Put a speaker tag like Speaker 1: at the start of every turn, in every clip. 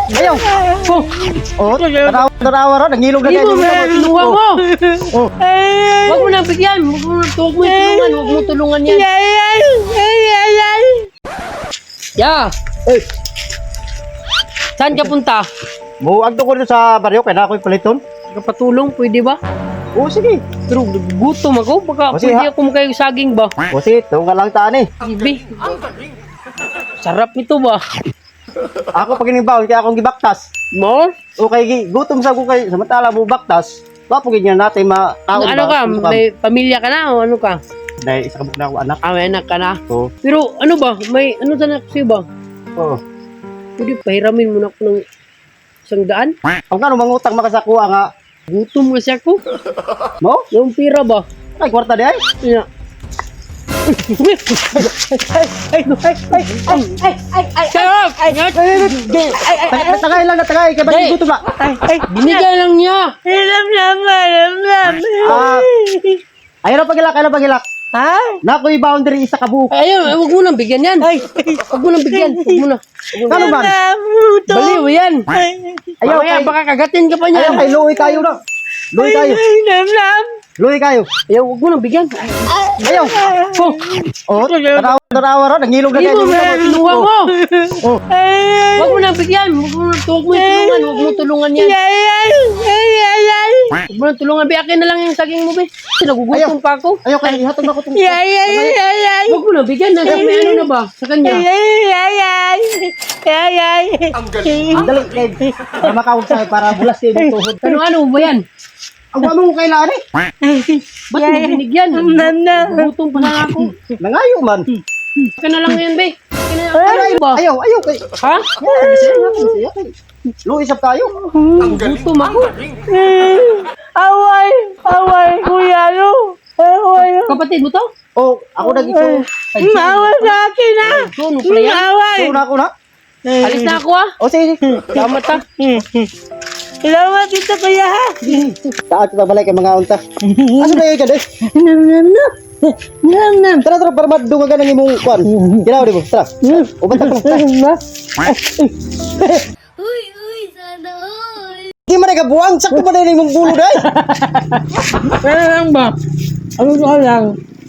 Speaker 1: Ayaw. Oh, tarawa ron, nangilog na
Speaker 2: Hindi mo, kinuha mo.
Speaker 1: Oh.
Speaker 2: Huwag mo na bigyan. Huwag mo tulungan. Huwag mo tulungan yan. Ya.
Speaker 1: Eh,
Speaker 2: Saan ka punta?
Speaker 1: buwag ko rin sa baryo, kaya na ako'y paliton.
Speaker 2: Kapatulong, pwede ba?
Speaker 1: Oo, sige.
Speaker 2: Pero gutom ako. Baka
Speaker 1: Kasi
Speaker 2: pwede ako magkayo saging ba?
Speaker 1: O sige, ito nga lang taan eh.
Speaker 2: Ibi. Sarap nito ba?
Speaker 1: Ako pag inibawon, kaya akong gibaktas.
Speaker 2: Mo?
Speaker 1: Okay, gutom sa ko kay samantala mo baktas. Wapugin niya natin makaon
Speaker 2: Ano ka? May pamilya ka na o ano ka?
Speaker 1: Dahil isa kabuk na ako anak.
Speaker 2: May anak ka na.
Speaker 1: Oo.
Speaker 2: Pero ano ba? May ano sa anak sa'yo ba?
Speaker 1: Oo.
Speaker 2: Pwede pahiramin mo na ako ng 100?
Speaker 1: Ang kano mangutang makasakuha nga.
Speaker 2: Gutom kasi ako.
Speaker 1: Mo?
Speaker 2: Yung pira ba?
Speaker 1: Ay, kwarta di ay.
Speaker 2: Yeah. Sarap!
Speaker 1: Tagay lang na tagay. Kaya ba gutom ba?
Speaker 2: Binigay lang niya.
Speaker 1: Ayaw na pagilak, ayaw na pagilak. Nakoy boundary isa kabuok.
Speaker 2: Ayun, huwag mo nang bigyan yan. Huwag mo nang bigyan. Huwag mo na.
Speaker 1: Kano ba?
Speaker 2: Baliw yan.
Speaker 1: Ayaw
Speaker 2: Mamaya,
Speaker 1: kay,
Speaker 2: baka kagatin ka pa niya.
Speaker 1: ayaw kay luwi kayo na. Luwi kayo. Luwi kayo.
Speaker 2: Ayaw, huwag mo nang bigyan.
Speaker 1: Ayaw. Oh, tarawa ron, nangilog na
Speaker 2: Hindi
Speaker 1: kayo.
Speaker 2: mo, kinuha mo.
Speaker 1: Oh.
Speaker 2: Huwag mo nang bigyan. Huwag mo tulungan. Huwag mo tulungan yan. Huwag mo nang tulungan. Akin na lang yung saging mo, be. Nagugutom pa ako.
Speaker 1: Ayaw kay ihatod na ko itong...
Speaker 2: Huwag mo nang bigyan. May ano na ba sa kanya?
Speaker 1: Ang dali kay para makawag sa'yo para bulas kayo ng tuhod.
Speaker 2: Ano ba yan?
Speaker 1: Ang mo kailangan eh.
Speaker 2: Ba't mo binigyan? Gutom pa lang ako.
Speaker 1: Nangayo man.
Speaker 2: Akin na lang yan, be. Akin na lang ba?
Speaker 1: Ayaw kay...
Speaker 2: Ha?
Speaker 1: Luwi isap tayo.
Speaker 2: Gutom ako.
Speaker 3: Kuya, no?
Speaker 2: Kapatid mo to?
Speaker 1: Oh, ako nag-ito.
Speaker 3: Maawa sa akin, ha?
Speaker 2: Ano pala yan?
Speaker 1: Tuna ako na.
Speaker 2: Alis na ako, ah.
Speaker 1: O sige.
Speaker 2: Salamat, ha.
Speaker 3: Salamat dito, kuya, ha?
Speaker 1: Taat kita balik kay mga unta. Ano na yun ka doy? Tara para madunga ka ng imong kwan. Kinaw di mo. Tara. Ubantak ko.
Speaker 4: Uy, sana all.
Speaker 1: Di man nagabuang. Sakto ba na yung imong bulo day?
Speaker 3: Ano lang ba? Ano ko lang?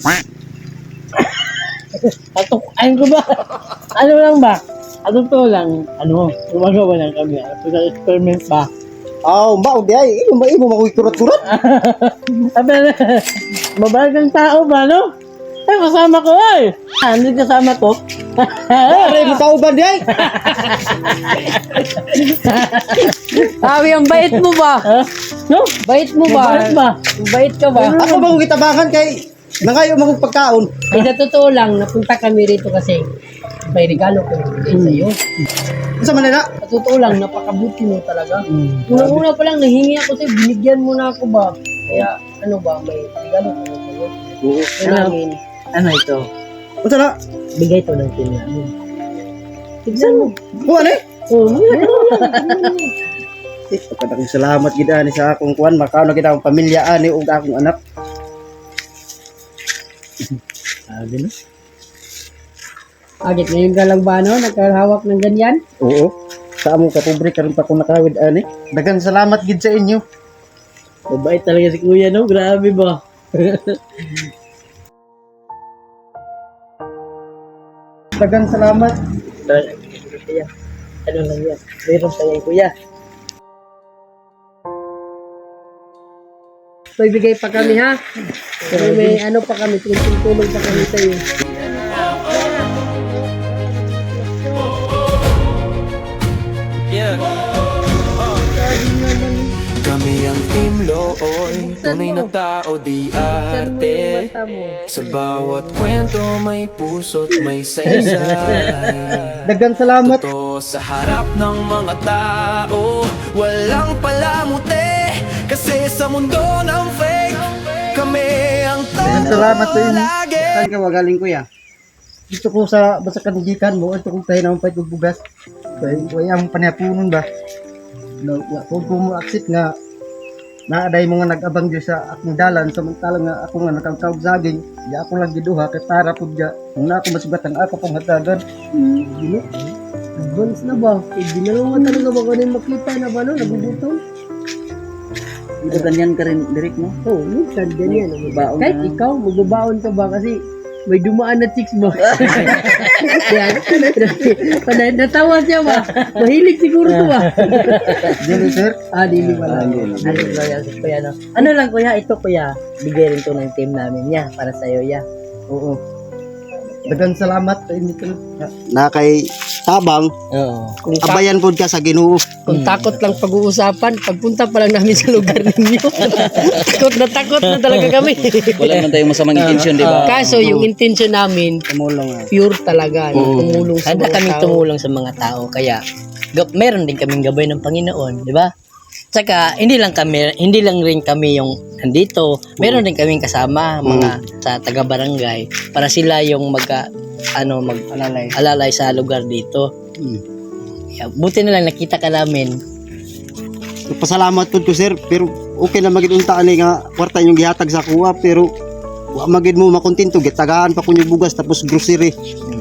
Speaker 3: Ano ko ba? Ano lang ba? Ano to lang? Ano? Gumagawa lang kami. Experiment ba?
Speaker 1: Baog di ay. Imo makuy kurat-kurat.
Speaker 3: Sabi na, mabagang tao ba, no? Ay, kasama ko, ay! Ano kasama ko?
Speaker 1: Pare mo kauban di ay.
Speaker 2: Sabi, ang bait mo ba?
Speaker 3: No?
Speaker 2: Bait mo ba?
Speaker 3: Bait ba?
Speaker 2: Bait ka ba?
Speaker 1: Ako ba kung kitabangan kay nangayo magong pagkaon.
Speaker 2: Ay, sa totoo lang, napunta kami rito kasi may regalo ko bigay sa'yo.
Speaker 1: Sa Manila.
Speaker 2: Sa totoo lang, napakabuti mo talaga. Una-una pa lang, nahingi ako sa'yo, binigyan mo na ako ba? Kaya, ano ba, may regalo ko sa'yo.
Speaker 1: Oo.
Speaker 2: Kailangan,
Speaker 3: Ano ito?
Speaker 1: Unsa na?
Speaker 3: Bigay to ng kinamin.
Speaker 2: tignan mo.
Speaker 1: Kuan eh.
Speaker 2: Oh,
Speaker 1: Kadang salamat gid ani sa akong kuan makaon na gid akong pamilya ani ug akong anak.
Speaker 3: Sabi no?
Speaker 2: agit ngayon ka lang ba, no? Nagkahawak ng ganyan?
Speaker 1: Oo. Sa among kapobre karon pa ko nakawid ani. Dagan salamat gid sa inyo.
Speaker 3: Mabait talaga si kuya, no? Grabe ba?
Speaker 1: Dagan salamat.
Speaker 3: Kuya. Ano lang yan? Meron sa yan, kuya.
Speaker 2: May bigay pa kami, ha? May ano pa kami, tulong pa kami sa'yo.
Speaker 5: Kami ang Team Looy, tunay na tao di arte. Sa bawat kwento may puso't may saysay.
Speaker 1: Dagan salamat.
Speaker 5: Totoo sa harap ng mga tao, walang palamuti. Kasi sa mundo ng fake, kami ang
Speaker 1: Dagan
Speaker 5: tao
Speaker 1: salamat sa inyo.
Speaker 5: lagi.
Speaker 1: Saan ka magaling kuya? Dito ko sa basa kanigikan mo, ito kong tayo naman pa itong bugas. Kaya ang panapunon ba? Kung mo accept nga naaday mo nga nag-abang dyan sa akong dalan samantalang nga ako nga nakakawag saging di ako lang giduha kay para po dyan kung na ako masugat ang ako pong hatagan
Speaker 2: Advance na ba? Eh, di na naman talaga ba ko rin makita na ba, no? Nagugutom?
Speaker 3: Ito ganyan ka rin, Derek, no?
Speaker 2: Oo, minsan ganyan.
Speaker 3: Baon
Speaker 2: Kahit
Speaker 3: na.
Speaker 2: ikaw, magbabaon ka ba? Kasi may dumaan na chicks mo. Yan. Natawa siya ba? Mahilig siguro to ba?
Speaker 1: Dili, sir.
Speaker 2: Dili pala.
Speaker 3: Ano loyal si Kuya, no? Ano lang, Kuya, ito, Kuya. Bigay rin to ng team namin, ya. Para sa'yo, ya.
Speaker 1: Oo. Dagan salamat sa inyo, sir.
Speaker 6: Na kay tabang
Speaker 3: Oo.
Speaker 6: abayan pod ka sa Ginoo.
Speaker 2: Kung takot lang pag-uusapan, pagpunta pa lang namin sa lugar ninyo. takot na talaga kami.
Speaker 7: Wala naman tayong masamang intention, di ba?
Speaker 2: Kaso yung intention namin,
Speaker 6: Tumulong.
Speaker 2: pure talaga. Yung tumulong sa
Speaker 3: Handa
Speaker 2: mga
Speaker 3: kaming
Speaker 2: tao.
Speaker 3: tumulong sa mga tao. Kaya, meron din kaming gabay ng Panginoon, di ba? Tsaka, hindi lang rin kami yung nandito. Meron din kaming kasama, mga sa taga-barangay, para sila yung alalay sa lugar dito. Kaya, buti na lang nakita ka namin.
Speaker 6: Pasalamat pod ko sir, pero okay na magid unta ani nga kwarta yung gihatag sa kuha, pero wa magid mo makontento gitagaan pa kunya bugas tapos grocery.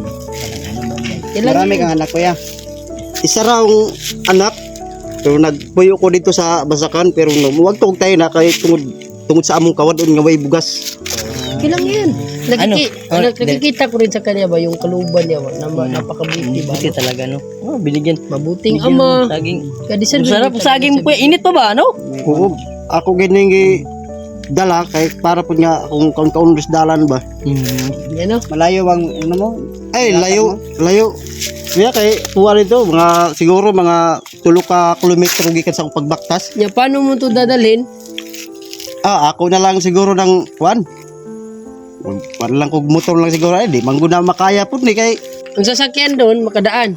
Speaker 2: Marami
Speaker 6: kang anak kuya. Isa raw ang anak, pero nagpuyo ko dito sa Basakan, pero no, muwag tog tayo na kay tungod sa among kawadon nga way bugas.
Speaker 2: Kailang yan. Nakikita ko rin sa kanya ba yung kaluban niya ba? Napakabuti ba?
Speaker 3: Buti talaga, no? Oh, binigyan.
Speaker 2: Mabuting
Speaker 3: Bigyan
Speaker 2: ama.
Speaker 3: ng saging.
Speaker 2: Kaya deserve
Speaker 3: Ang sarap
Speaker 2: niya
Speaker 3: saging
Speaker 2: talaga
Speaker 3: po. Init pa ba, no?
Speaker 6: Oo, ako gining dala kay para pud nga kung kaundos dalan ba.
Speaker 2: Yan o.
Speaker 6: Malayo bang ano mo? Ay, layo. Kaya kay tuwa nito mga siguro mga 3 ka kilometro gikan sa akong pagbaktas.
Speaker 2: Ya, paano mo ito dadalhin?
Speaker 6: Ako na lang siguro ng kuan. Para lang kog motor lang siguro ay di mangguna makaya pud ni kay
Speaker 2: Ang sasakyan doon, makadaan.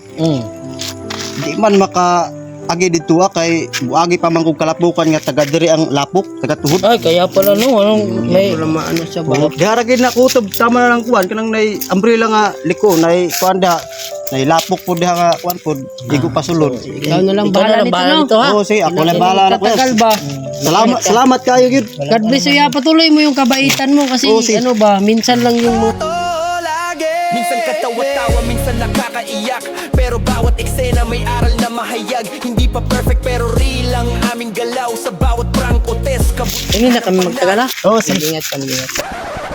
Speaker 6: di man maka agi dito kay buagi pa man kog kalapukan nga taga diri ang lapok, taga tuhod.
Speaker 3: Ay, kaya pala, no? Anong may...
Speaker 2: Wala maano siya ba?
Speaker 6: Diharagin na kutob tama na lang kuan kanang nay umbrella nga liko nay kuan da nay lapok pud diha nga kuan pud di ko pasulod.
Speaker 2: Ikaw na lang
Speaker 3: Ikaw na
Speaker 2: bahala
Speaker 3: lang
Speaker 2: nito,
Speaker 3: bahala
Speaker 2: no?
Speaker 3: nito, ha?
Speaker 6: Oo, sige, ako na bahala na kuya.
Speaker 2: Tatagal ba?
Speaker 6: Salamat kayo gyud.
Speaker 2: God bless you. Ya, patuloy mo yung kabaitan mo kasi
Speaker 6: Oo, sige.
Speaker 2: ano ba, minsan lang yung mga...
Speaker 5: Minsan katawa-tawa, minsan nakakaiyak, pero bawat eksena may aral na mahayag. Hindi pa perfect pero real ang aming galaw. Sa bawat prank o test
Speaker 3: Hindi na kami magtagal, ha?
Speaker 6: Oo, sige.
Speaker 2: Ingat kami, ingat.